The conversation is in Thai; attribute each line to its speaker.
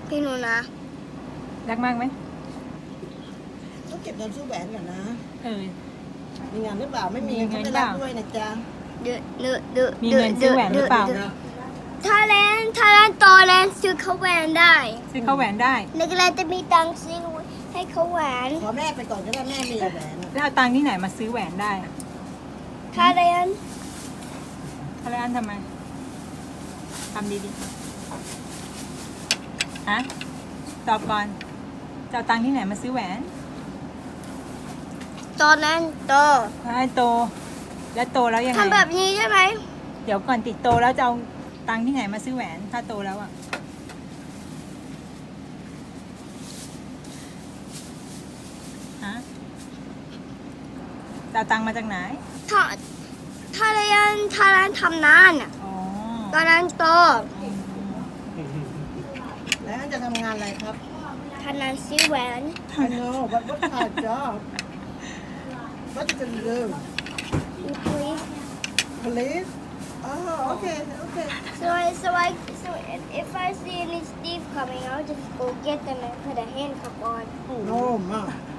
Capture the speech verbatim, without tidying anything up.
Speaker 1: พี่หนูนะ
Speaker 2: รักมากไหม
Speaker 3: ต้องเก็บเงินซื้อแหวนก่อนนะ
Speaker 2: เออ
Speaker 3: มีงานหรือเปล่าไม่มี
Speaker 2: มี
Speaker 3: เขา
Speaker 2: เงิน
Speaker 3: ไม่
Speaker 2: เป
Speaker 3: รั
Speaker 2: ล่า
Speaker 3: บด้วยนะจ๊ะ
Speaker 1: เดือดเดือดเดือด
Speaker 2: มีเงินซื้อแหวนหรือเปล่า
Speaker 1: ถ้าแลนถ้าแลนโตแลนซื้อเขาแหวนได้
Speaker 2: ซื้อเข้าแหวนได้
Speaker 1: นึกแลนจะมีตังค์ซื้อให้เขาแหวน
Speaker 3: ขอแม่ไปก่อนก็ได้แม่มีแหวนอะ
Speaker 2: แล้วเอาตังค์ที่ไหนมาซื้อแหวนได้
Speaker 1: ถ้าแลน
Speaker 2: อะไรอันทำไมทำดีๆฮะตอบก่อนจะเอาตังค์ที่ไหนมาซื้อแหวน
Speaker 1: ตอนนั้นโต
Speaker 2: ให้โต แล้วโตแล้วยังไง
Speaker 1: ทำแบบนี้ใช่ไหม
Speaker 2: เดี๋ยวก่อนติดโตแล้วจะเอาตังค์ที่ไหนมาซื้อแหวน ถ้าโตแล้วอ่ะฮะจะเอาตังค์มาจากไหน
Speaker 1: ถ้าถ้าแลนถ้าแลนทำนานอ่ะ
Speaker 2: อ๋อ
Speaker 1: ตอนนั้นโต
Speaker 3: แล้วจะทำงานอะไรครับ
Speaker 1: ถ้านั้นซื้อแหวน
Speaker 3: I know but what kind of job what you gonna do
Speaker 1: you please
Speaker 3: police oh okay okay
Speaker 1: so I so I so if, if I see any thief coming I'll just go get them and put a handcuff on
Speaker 3: no ma